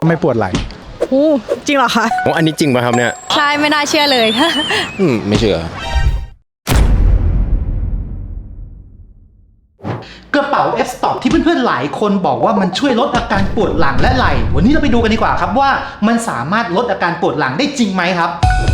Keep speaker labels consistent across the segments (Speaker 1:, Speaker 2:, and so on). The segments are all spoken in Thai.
Speaker 1: ไม่ปวดไหล่
Speaker 2: จริงเหรอคะ
Speaker 3: โอ้อันนี้จริงป่ะครับเนี่ย
Speaker 2: ใช่ไม่น่าเชื่อเลย
Speaker 3: ไม่เชื่อ
Speaker 1: กระเป๋า F-Stop ที่เพื่อนๆหลายคนบอกว่ามันช่วยลดอาการปวดหลังและไหล่วันนี้เราไปดูกันดีกว่าครับว่ามันสามารถลดอาการปวดหลังได้จริงไหมครับ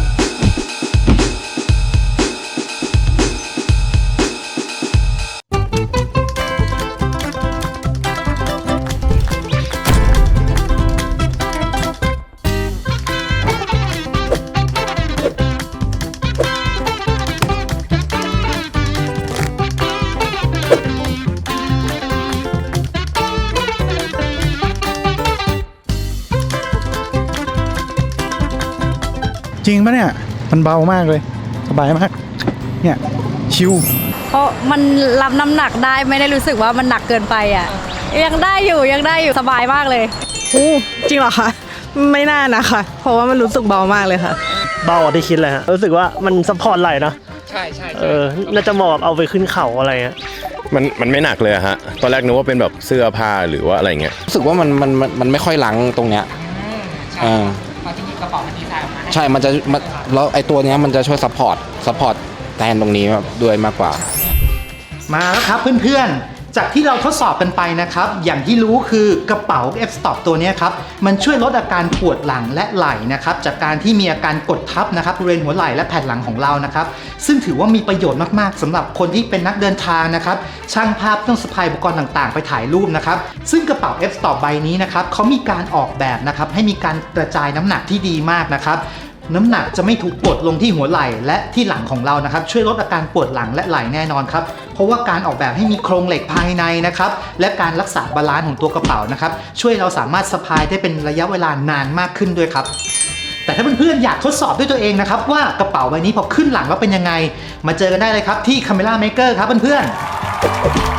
Speaker 1: จริงปะเนี่ยมันเบามากเลยสบายมากเนี่ยชิว
Speaker 2: เพราะมันรับน้ำหนักได้ไม่ได้รู้สึกว่ามันหนักเกินไปอ่ะยังได้อยู่สบายมากเลย
Speaker 4: จริงเหรอคะไม่น่านะคะเพราะว่ามันรู้สึกเบามากเลยค่ะ
Speaker 5: เบากว่าที่คิดเลยฮะรู้สึกว่ามันซัพพอร์ตไหล่นะ
Speaker 6: ใช่
Speaker 5: น่าจะเหมาะเอาไปขึ้นเข่าอะไรเงี้ย
Speaker 3: มันไม่หนักเลยฮะตอนแรกนึกว่าเป็นแบบเสื้อผ้าหรือว่าอะไรเงี้ย
Speaker 6: รู้สึกว่ามันไม่ค่อยล้างตรงเนี้ยจริงๆกระเป๋ามันดีไซน์ออกมาใช่มันจะแล้วไอตัวเนี้ยมันจะช่วยซัพพอร์ตแทนตรงนี้ด้วยมากกว่า
Speaker 1: มาแล้วครับเพื่อนๆจากที่เราทดสอบกันไปนะครับอย่างที่รู้คือกระเป๋า F-Stop ตัวนี้ครับมันช่วยลดอาการปวดหลังและไหล่นะครับจากการที่มีอาการกดทับนะครับบริเวณหัวไหล่และแผ่นหลังของเรานะครับซึ่งถือว่ามีประโยชน์มากๆสำหรับคนที่เป็นนักเดินทางนะครับช่างภาพต้องสะพายอุปกรณ์ต่างๆไปถ่ายรูปนะครับซึ่งกระเป๋า F-Stop ใบนี้นะครับเขามีการออกแบบนะครับให้มีการกระจายน้ำหนักที่ดีมากนะครับน้ำหนักจะไม่ถูกกดลงที่หัวไหล่และที่หลังของเรานะครับช่วยลดอาการปวดหลังและไหล่แน่นอนครับเพราะว่าการออกแบบให้มีโครงเหล็กภายในนะครับและการรักษาบาลานซ์ของตัวกระเป๋านะครับช่วยเราสามารถสะพายได้เป็นระยะเวลานานมากขึ้นด้วยครับแต่ถ้าเพื่อนๆอยากทดสอบด้วยตัวเองนะครับว่ากระเป๋าใบนี้พอขึ้นหลังแล้วเป็นยังไงมาเจอกันได้เลยครับที่ Camera Maker ครับเพื่อนๆ